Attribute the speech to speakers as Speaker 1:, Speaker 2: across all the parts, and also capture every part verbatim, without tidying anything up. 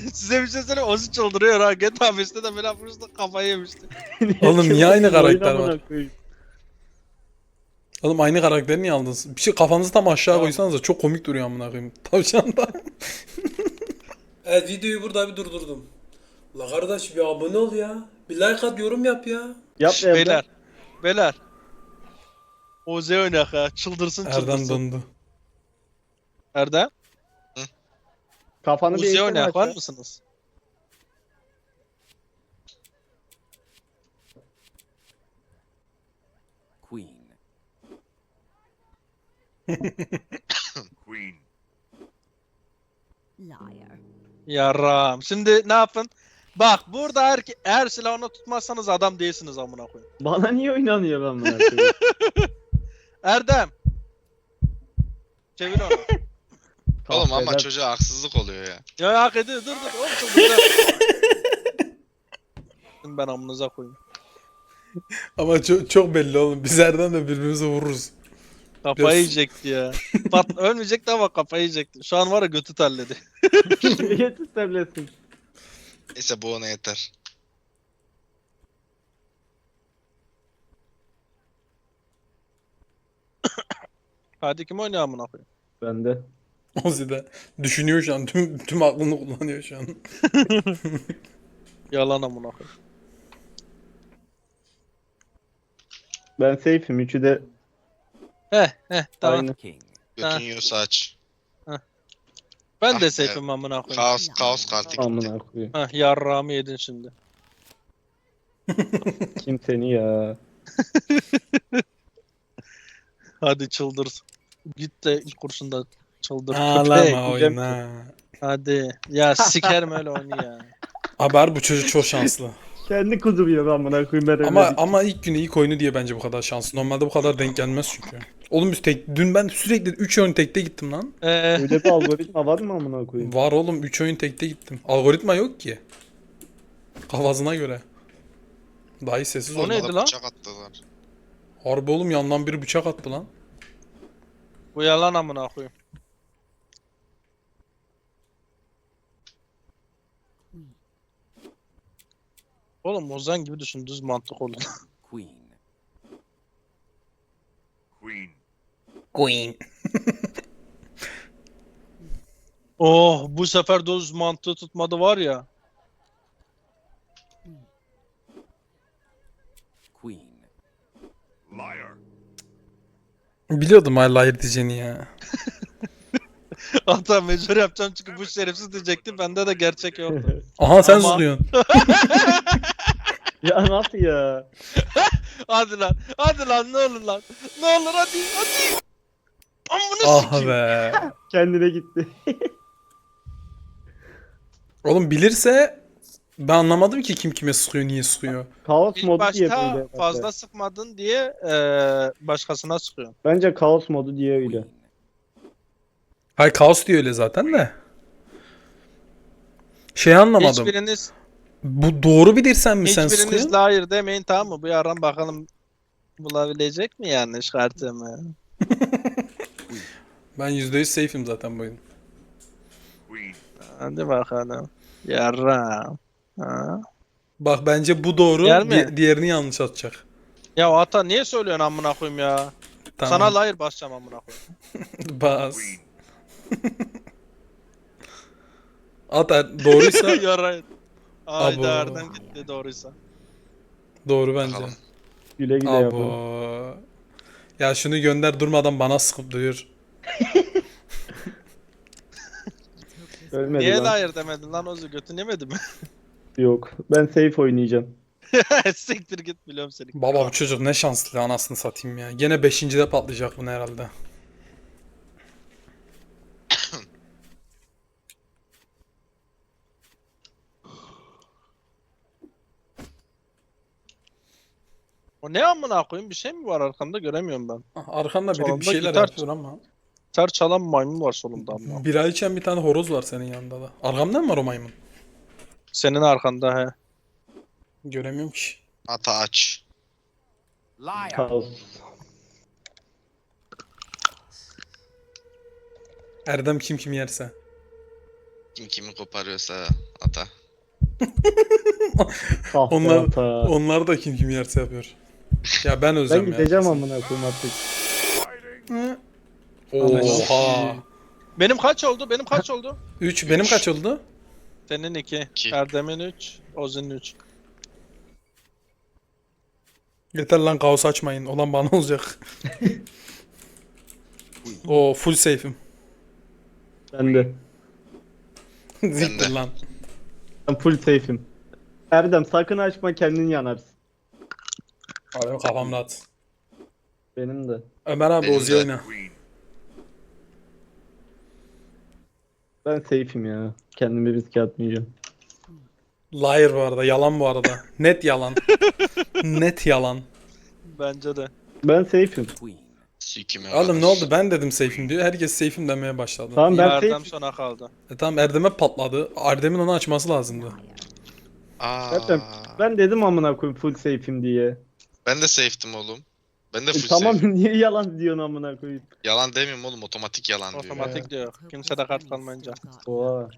Speaker 1: Size bir şey söyleyeyim, Ozi çıldırıyor ha. G T A beşte de böyle yapmıştı, kafayı yemişti.
Speaker 2: Oğlum niye aynı
Speaker 3: Oyun
Speaker 2: karakter
Speaker 3: amına
Speaker 2: var?
Speaker 3: koyayım.
Speaker 2: Oğlum aynı karakteri niye aldınız? Bir şey kafanızı tam aşağı
Speaker 1: Tamam.
Speaker 2: koysanız da çok komik duruyor amına koyayım. Tavşan da. Evet, videoyu burada bir durdurdum. La kardeş bir abone ol ya. Bir like at, yorum yap ya.
Speaker 3: Yap
Speaker 1: Şş,
Speaker 3: Erdem.
Speaker 1: beyler. Beyler. Ozi oynak ha. Çıldırsın
Speaker 2: Erdem
Speaker 1: çıldırsın.
Speaker 2: dondu.
Speaker 1: Erdem.
Speaker 3: Kafanı bir
Speaker 1: Ozi
Speaker 3: eğsene
Speaker 1: oynak var
Speaker 3: aşağı.
Speaker 1: mısınız?
Speaker 4: Queen.
Speaker 5: Queen.
Speaker 6: Liar.
Speaker 1: Yaram. Şimdi ne yapın? Bak burada eğer, ki- eğer silahını tutmazsanız adam değilsiniz amına koyayım.
Speaker 3: Bana niye oynanıyor ben buna koyayım?
Speaker 1: Erdem. Çevir onu.
Speaker 5: Oğlum ama
Speaker 3: Kahveden-
Speaker 5: çocuğa haksızlık oluyor ya.
Speaker 1: Ya hak ediyor. Dur dur. Oğlum çıldıracağım. Şimdi ben amınıza koyayım.
Speaker 2: Ama çok, çok belli oğlum. Biz Erdem'le birbirimize vururuz.
Speaker 1: Kafayı
Speaker 2: Biraz-
Speaker 1: yiyecekti ya. Pat ölmeyecekti ama kafayı yiyecekti. Şu an var ya götü terledi.
Speaker 3: Yetis devletsin.
Speaker 5: Neyse bu ona yeter.
Speaker 1: Hadi kim oynuyor amına koyayım?
Speaker 3: Ben de.
Speaker 2: Ozi de düşünüyor şu an. Tüm, tüm aklını kullanıyor şu an.
Speaker 1: Yalan amına koyayım.
Speaker 3: Ben safe'im. Üçü de
Speaker 1: Heh heh tamam.
Speaker 3: aynı.
Speaker 4: King.
Speaker 1: Ha.
Speaker 5: Götün yiyorsa aç.
Speaker 1: Ben
Speaker 5: Ah
Speaker 1: de
Speaker 5: be.
Speaker 1: safe'im amına koyayım.
Speaker 5: Kaos, kaos kartı gitti.
Speaker 3: Amına koyayım.
Speaker 1: Heh yarrağımı yedin şimdi.
Speaker 3: Kim seni ya?
Speaker 1: Hadi çıldır. Git de ilk kurşunda çıldır. Köpek.
Speaker 2: Ağlama oyna.
Speaker 1: Hadi. Ya sikerim öyle oyunu ya.
Speaker 2: Haber bu çocuk çok şanslı.
Speaker 3: Kendi kuduruyor amına koyayım ben öyle
Speaker 2: Ama
Speaker 3: değil.
Speaker 2: ama ilk günü ilk oyunu diye bence bu kadar şanslı. Normalde bu kadar denk gelmez çünkü. Oğlum biz tek dün ben sürekli üç oyun tekte gittim lan.
Speaker 1: Ee,
Speaker 3: Öyle bir algoritma var mı amına koyayım?
Speaker 2: Var oğlum, üç oyun tekte gittim. Algoritma yok ki. Kafasına göre. Dahi sessiz
Speaker 1: O
Speaker 2: ol.
Speaker 1: neydi
Speaker 5: Bana
Speaker 1: lan?
Speaker 5: bıçak attılar.
Speaker 2: Harbi oğlum, yandan biri bıçak attı lan.
Speaker 1: bu yalan amına koyayım. Oğlum Ozan gibi düşün, düz mantık olun.
Speaker 4: Queen.
Speaker 5: Queen.
Speaker 2: Queen.
Speaker 1: Oh bu sefer düz mantığı tutmadı var ya.
Speaker 4: Queen.
Speaker 5: Liar.
Speaker 2: Biliyordum hala hayır diyeceğini ya.
Speaker 1: Hatta mecbur yapacağım çünkü bu şerefsiz diyecekti. Bende de gerçek yoktu.
Speaker 2: Aha sen
Speaker 1: Ama-
Speaker 2: zıplıyorsun.
Speaker 3: Ya nasıl ya?
Speaker 1: Hadi lan. Hadi lan ne olur lan. Ne olur hadi hadi. Amına
Speaker 2: Ah
Speaker 1: sikeyim.
Speaker 2: be.
Speaker 3: Kendine gitti.
Speaker 2: Oğlum bilirse ben anlamadım ki kim kime sıkıyor, niye sıkıyor.
Speaker 3: Kaos
Speaker 1: İlk
Speaker 3: modu diye
Speaker 1: başta
Speaker 3: böyle.
Speaker 1: fazla sıkmadın diye eee başkasına sıkıyorsun.
Speaker 3: Bence kaos modu diye öyle.
Speaker 4: Queen.
Speaker 2: Hayır, kaos diyor öyle zaten de. Şey anlamadım.
Speaker 1: Hiçbiriniz,
Speaker 2: Bu doğru bilirsen mi sen
Speaker 1: hiçbiriniz
Speaker 2: sıkıyorsun?
Speaker 1: de hayır demeyin tamam mı? Bu yaran bakalım bulabilecek mi yanlış kartımı?
Speaker 2: Ben yüzde yüz safe'im zaten bu oyun.
Speaker 5: Queen.
Speaker 1: Hadi bakalım. Yaram. Ha.
Speaker 2: Bak bence bu doğru,
Speaker 1: Yer mi?
Speaker 2: di- diğerini yanlış atacak.
Speaker 1: Ya ata niye söylüyorsun amına koyayım ya?
Speaker 2: Tamam.
Speaker 1: Sana hayır basacağım amına koyayım.
Speaker 2: Bas.
Speaker 5: Queen.
Speaker 2: At er- doğruysa
Speaker 1: Yarayın. Ayda
Speaker 2: Abo.
Speaker 1: Erdem gitti doğruysa.
Speaker 2: doğru bence.
Speaker 5: Bakalım.
Speaker 3: Güle güle yapın.
Speaker 2: Abo. Ya şunu gönder, durmadan bana sıkıp duruyor.
Speaker 3: Ölmedi
Speaker 1: Niye
Speaker 3: lan.
Speaker 1: de hayır demedin lan Ozu, götün yemedi mi?
Speaker 3: Yok. Ben safe oynayacağım.
Speaker 1: Siktir git biliyorum seni.
Speaker 2: Baba bu çocuk ne şanslı, anasını satayım ya. Gene beşincide patlayacak bunu herhalde.
Speaker 1: O ne amına koyayım, bir şey mi var arkamda göremiyorum ben.
Speaker 2: Ah, Arkamda biri bir
Speaker 1: Solunda
Speaker 2: şeyler
Speaker 1: gitar
Speaker 2: yapıyor ama.
Speaker 1: Ter çalan maymun var solumda amına.
Speaker 2: Bira içen bir tane horoz var senin yanında da. Arkamda mı var o maymun?
Speaker 1: Senin arkanda he.
Speaker 2: Göremiyorum ki.
Speaker 5: Ata aç.
Speaker 4: Liar.
Speaker 3: Kaos.
Speaker 2: Erdem kim kim yerse.
Speaker 5: Kim kimi koparıyorsa ata.
Speaker 3: Kahpe
Speaker 2: Onlar,
Speaker 3: hata.
Speaker 2: onlar da kim kim yerse yapıyor. Ya ben
Speaker 3: Ben
Speaker 2: özlem ya.
Speaker 3: gideceğim amına koyayım artık.
Speaker 2: Oha.
Speaker 1: Benim kaç oldu? Benim kaç oldu?
Speaker 2: üç benim kaç oldu?
Speaker 1: Senin iki.
Speaker 5: İki.
Speaker 1: Erdem'in üç. Ozi'nin üç.
Speaker 2: Yeter lan kaos açmayın. Olan bana olacak. O full safe'im.
Speaker 3: Ben de.
Speaker 2: Ziktir
Speaker 5: de.
Speaker 2: lan.
Speaker 3: Ben full safe'im. Erdem sakın açma, kendin yanarsın.
Speaker 2: Abi kafam rahat.
Speaker 3: Benim de.
Speaker 2: Ömer abi
Speaker 5: Benim
Speaker 2: Ozi
Speaker 5: de.
Speaker 2: oyna.
Speaker 5: Queen.
Speaker 3: Ben safe'im ya. Kendimi riske atmayacağım.
Speaker 2: Liar bu arada. Yalan bu arada. Net yalan. Net yalan.
Speaker 1: Bence de.
Speaker 3: Ben safe'im.
Speaker 4: Queen.
Speaker 5: Sikime
Speaker 2: Oğlum ne oldu? Ben dedim safe'im diyor. Herkes safe'im demeye başladı.
Speaker 3: Tamam ben
Speaker 1: Erdem
Speaker 3: safe'im.
Speaker 1: sona kaldı.
Speaker 2: E tamam Erdem'e patladı. Erdem'in onu açması lazımdı.
Speaker 5: Aa,
Speaker 3: Erdem, ben dedim amına koyayım full safe'im diye.
Speaker 5: ben de safe'tim oğlum. Ben de
Speaker 3: E,
Speaker 5: full
Speaker 3: tamam
Speaker 5: safe.
Speaker 3: niye yalan diyorsun amına koyayım?
Speaker 5: Yalan demiyorum oğlum, otomatik yalan diyor.
Speaker 1: Otomatik diyor. Kimse de kart kalmayınca.
Speaker 3: Oha.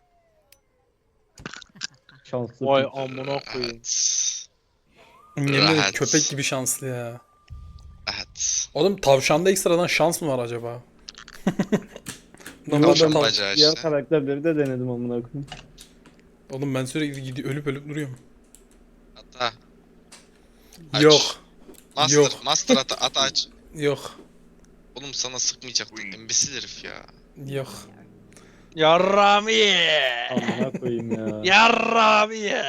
Speaker 3: Şanslı.
Speaker 1: Vay
Speaker 3: piç.
Speaker 1: amına koyayım.
Speaker 5: Evet.
Speaker 2: Yemin ederim
Speaker 5: Rahat.
Speaker 2: köpek gibi şanslı ya.
Speaker 5: Evet.
Speaker 2: Oğlum tavşanda ekstradan şans mı var acaba?
Speaker 3: Normalde
Speaker 2: Normalde
Speaker 5: Tavşan
Speaker 2: tav-
Speaker 5: bacağı
Speaker 3: Diğer
Speaker 5: işte.
Speaker 3: karakterleri de denedim amına koyayım.
Speaker 2: Oğlum ben sürekli gidi ölüp ölüp duruyorum.
Speaker 5: Ata. Aç.
Speaker 2: Yok.
Speaker 5: Master,
Speaker 2: Yok.
Speaker 5: master ata, ata aç.
Speaker 2: Yok.
Speaker 5: Oğlum sana sıkmayacaktım. Embesil herif ya.
Speaker 2: Yok.
Speaker 1: Yarram ye.
Speaker 3: Amına koyayım ya.
Speaker 1: Yarram ye.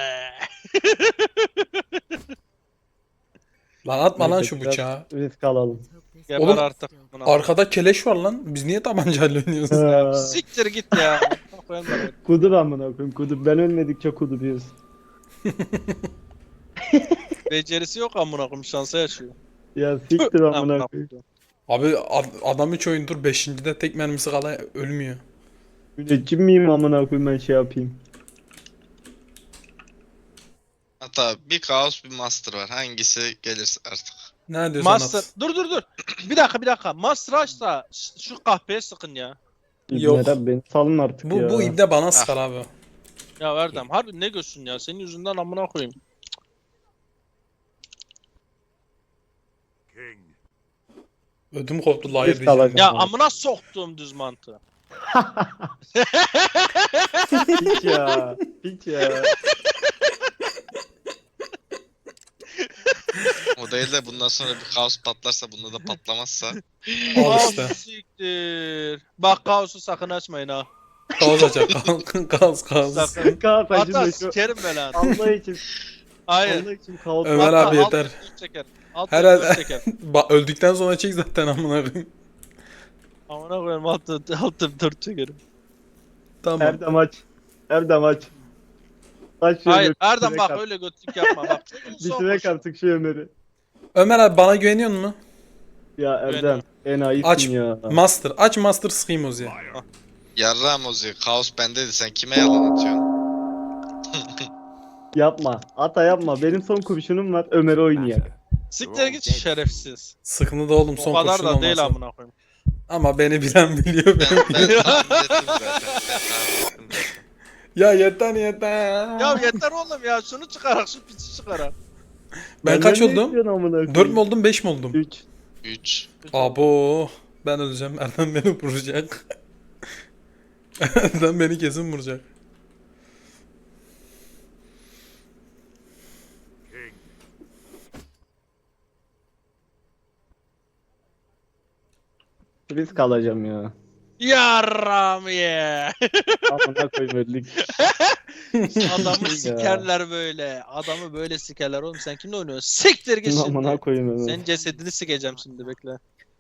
Speaker 2: Lan atma lan
Speaker 3: Neyse,
Speaker 2: şu
Speaker 3: biraz
Speaker 2: bıçağı.
Speaker 3: Risk alalım.
Speaker 1: Geber
Speaker 2: Oğlum,
Speaker 1: artık. Buna.
Speaker 2: Arkada keleş var lan. Biz niye tabancayla oynuyoruz?
Speaker 3: Ha,
Speaker 1: Siktir git ya. Koyalım da.
Speaker 3: kudur amına koyayım kudur. Ben ölmedikçe kuduruyoruz.
Speaker 1: Becerisi yok amına koyayım, şansa yaşıyor.
Speaker 3: Ya siktir amına
Speaker 1: Amına
Speaker 3: koyayım.
Speaker 1: koyayım.
Speaker 2: Abi ad- adam üç oyundur beşincide tek mermisi kala ölmüyor.
Speaker 3: Müneccim miyim amına koyayım ben şey yapayım.
Speaker 5: Ata bir kaos bir master var. Hangisi gelirse artık.
Speaker 2: Ne diyorsun
Speaker 1: Master.
Speaker 2: at?
Speaker 1: Dur dur dur. Bir dakika bir dakika. Master açsa ş- şu kahpeye sıkın ya.
Speaker 2: Yok.
Speaker 3: İbneler beni salın artık
Speaker 2: Bu
Speaker 3: ya.
Speaker 2: bu ibne bana sıkar abi.
Speaker 1: Ya Erdem harbi ne görsün ya, senin yüzünden amına koyayım.
Speaker 5: King.
Speaker 2: Ödüm koptu liar
Speaker 3: Risk
Speaker 2: diyeceğim.
Speaker 3: alacağım.
Speaker 1: Ya
Speaker 3: Tamam.
Speaker 1: amına soktuğum düz mantı.
Speaker 3: Hiç ya. Hiç ya.
Speaker 5: O değil de bundan sonra bir kaos patlarsa, bunda da patlamazsa.
Speaker 2: Al işte.
Speaker 1: Ah, siktir. Bak kaosu sakın açmayın ha.
Speaker 2: Kaos açar. Kaos kaos.
Speaker 1: Sakın.
Speaker 3: Kaos
Speaker 1: Hatta
Speaker 3: acıma şu.
Speaker 1: sikerim ben lan.
Speaker 3: Allah için.
Speaker 1: Hayır.
Speaker 3: Allah için kaos.
Speaker 2: Ömer
Speaker 1: Hatta
Speaker 2: abi
Speaker 1: alt
Speaker 2: yeter.
Speaker 1: F çeker. Alt
Speaker 2: Herhalde-
Speaker 1: F çeker.
Speaker 2: Ba öldükten sonra çek zaten amına koyayım.
Speaker 1: Amına koyayım alt alt F dört çekerim.
Speaker 2: Tamam.
Speaker 3: Erdem aç. Erdem aç. Aç şu
Speaker 1: Hayır
Speaker 3: Ömer'i,
Speaker 1: Erdem
Speaker 3: bitirek
Speaker 1: bak
Speaker 3: artık.
Speaker 1: öyle götlük yapma bak.
Speaker 3: Bitirek artık şu Ömer'i.
Speaker 2: Ömer abi bana güveniyor musun?
Speaker 3: Ya Erdem enayisin
Speaker 2: Aç.
Speaker 3: ya.
Speaker 2: Master. Aç Master sıkayım Ozi'ye.
Speaker 5: Yarrağım Ozi, kaos bendeydi. Sen kime yalan atıyorsun?
Speaker 3: Yapma. Ata yapma. Benim son kurşunum var. Ömer'i oynayak.
Speaker 1: Siktir git şerefsiz.
Speaker 2: Sıkıntı da oğlum son
Speaker 1: O kadar
Speaker 2: kurşun
Speaker 1: da değil
Speaker 2: olmasa.
Speaker 1: amına koyayım.
Speaker 2: Ama beni bilen biliyor.
Speaker 5: Ben,
Speaker 2: Ben
Speaker 5: ben tahmin ettim zaten. Ben tahmin ettim zaten.
Speaker 2: ya yeter yeter.
Speaker 1: Ya yeter oğlum ya, şunu çıkarak şu piçi çıkarak.
Speaker 2: Ben kaç oldum?
Speaker 3: Dört
Speaker 2: dört mü oldum beş mi oldum?
Speaker 3: üç.
Speaker 5: üç.
Speaker 2: Abo. Ben öleceğim. Erdem beni vuracak. Erdem beni kesin vuracak.
Speaker 3: Risk alacağım ya.
Speaker 1: Yarram ye.
Speaker 3: Amına koyayım öldük.
Speaker 1: Adamı sikerler böyle. Adamı böyle sikerler oğlum, sen kimle oynuyorsun? Siktir git
Speaker 3: Amına
Speaker 1: şimdi.
Speaker 3: koyayım Ömer.
Speaker 1: Senin cesedini sikeceğim şimdi, bekle.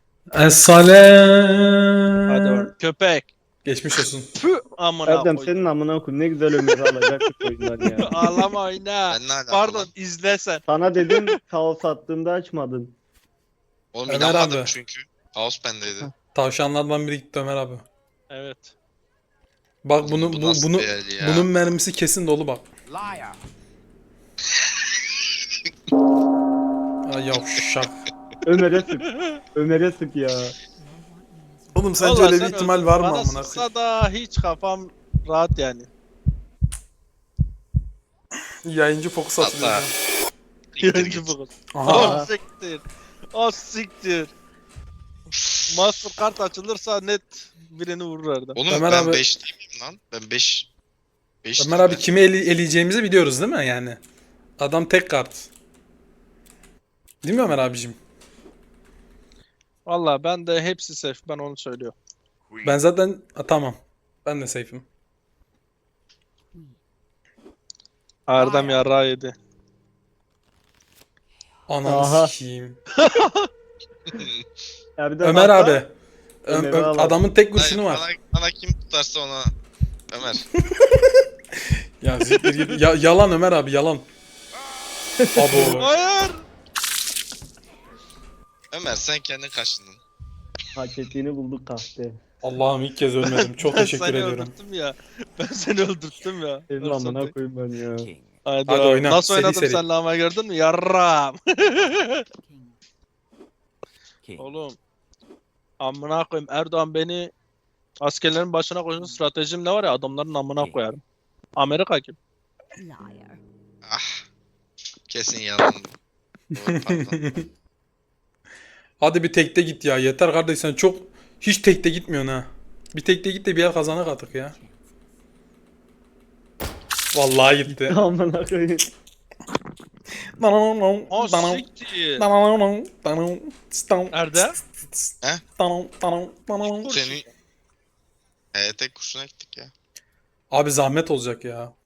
Speaker 2: Es-salam.
Speaker 1: Hadi oğlum köpek.
Speaker 2: Geçmiş olsun.
Speaker 1: Pü amına
Speaker 3: Erdem
Speaker 1: koy.
Speaker 3: senin amına koyayım. Ne güzel Ömer'i alacaktık oyundan ya.
Speaker 1: Ağlama oyna.
Speaker 5: Ben ne alaka
Speaker 1: Pardon
Speaker 5: lan?
Speaker 1: izle sen.
Speaker 3: Sana dedim kaos attığımda açmadın.
Speaker 5: Oğlum
Speaker 2: Ömer
Speaker 5: inanmadım
Speaker 2: abi.
Speaker 5: çünkü. Kaos bendeydi.
Speaker 2: Tavşanlardan biri gitti Ömer abi.
Speaker 1: Evet.
Speaker 2: Bak bunu bu,
Speaker 5: nasıl
Speaker 2: bunu
Speaker 5: bir el ya?
Speaker 2: bunun mermisi kesin dolu bak.
Speaker 4: Liar.
Speaker 2: Ay yavşak.
Speaker 3: Ömer'e sık. Ömer'e sık ya.
Speaker 2: Oğlum sence
Speaker 1: Vallahi
Speaker 2: öyle bir
Speaker 1: sen
Speaker 2: ihtimal
Speaker 1: öldün.
Speaker 2: var mı
Speaker 1: Bana
Speaker 2: amına koyayım?
Speaker 1: sıksa da hiç kafam Rahat yani.
Speaker 2: Yayıncı fokus
Speaker 5: Hatta.
Speaker 2: atılıyor.
Speaker 1: Yayıncı bu.
Speaker 2: Aha.
Speaker 1: O siktir. O siktir. Mastercard açılırsa net birini vurur Erdem.
Speaker 5: Oğlum
Speaker 2: Ömer
Speaker 5: ben
Speaker 2: abi-
Speaker 5: beş değil miyim lan? Ben beş. beş
Speaker 2: Ömer abi kimi ele- eleyeceğimizi biliyoruz değil mi yani? Adam tek kart. Değil mi Ömer abicim?
Speaker 1: Valla ben de hepsi safe. Ben onu söylüyorum.
Speaker 2: Ben zaten ha, tamam. Ben de safe'im.
Speaker 1: Erdem yarrağı yedi.
Speaker 2: Ananı
Speaker 3: Aha.
Speaker 2: sikeyim.
Speaker 3: Erdem
Speaker 2: Ömer
Speaker 3: hatta-
Speaker 2: abi. Ö-
Speaker 3: Ömer'i
Speaker 2: ö-
Speaker 3: al.
Speaker 2: adamın tek
Speaker 5: Hayır,
Speaker 2: kurşunu var.
Speaker 5: bana, bana kim tutarsa ona Ömer.
Speaker 2: Ya, siktir git. Ya- yalan Ömer abi yalan. Abo.
Speaker 1: Hayır.
Speaker 5: Ömer sen kendin kaçındın.
Speaker 3: Hak ettiğini bulduk kahpe.
Speaker 2: Allah'ım ilk kez ölmedim. Çok
Speaker 1: Ben
Speaker 2: teşekkür
Speaker 1: seni
Speaker 2: ediyorum.
Speaker 1: öldürttüm ya. Ben seni öldürttüm ya.
Speaker 3: Senin
Speaker 1: Fırsatı.
Speaker 3: amına koyayım ben ya.
Speaker 4: King.
Speaker 1: Haydi,
Speaker 2: Hadi
Speaker 1: abi.
Speaker 2: oyna,
Speaker 1: Nasıl
Speaker 2: seri
Speaker 1: oynadım
Speaker 2: seri.
Speaker 1: senle ama gördün mü? Yarram.
Speaker 4: King.
Speaker 1: Oğlum. Amına koyayım. Erdoğan beni askerlerin başına koysun stratejim ne var ya adamların amına koyarım. Amerika kim?
Speaker 6: Liar.
Speaker 5: Ah. Kesin yalan. Doğru, pardon.
Speaker 2: Hadi bir tekte git ya. Yeter kardeş sen çok hiç tekte gitmiyorsun ha. Bir tekte git de bir yer kazanak artık ya. Vallahi gitti.
Speaker 3: Amına koyayım.
Speaker 1: O siktir. Erdem?
Speaker 5: Seni... Ee, tek kurşuna gittik ya.
Speaker 2: Abi zahmet olacak ya.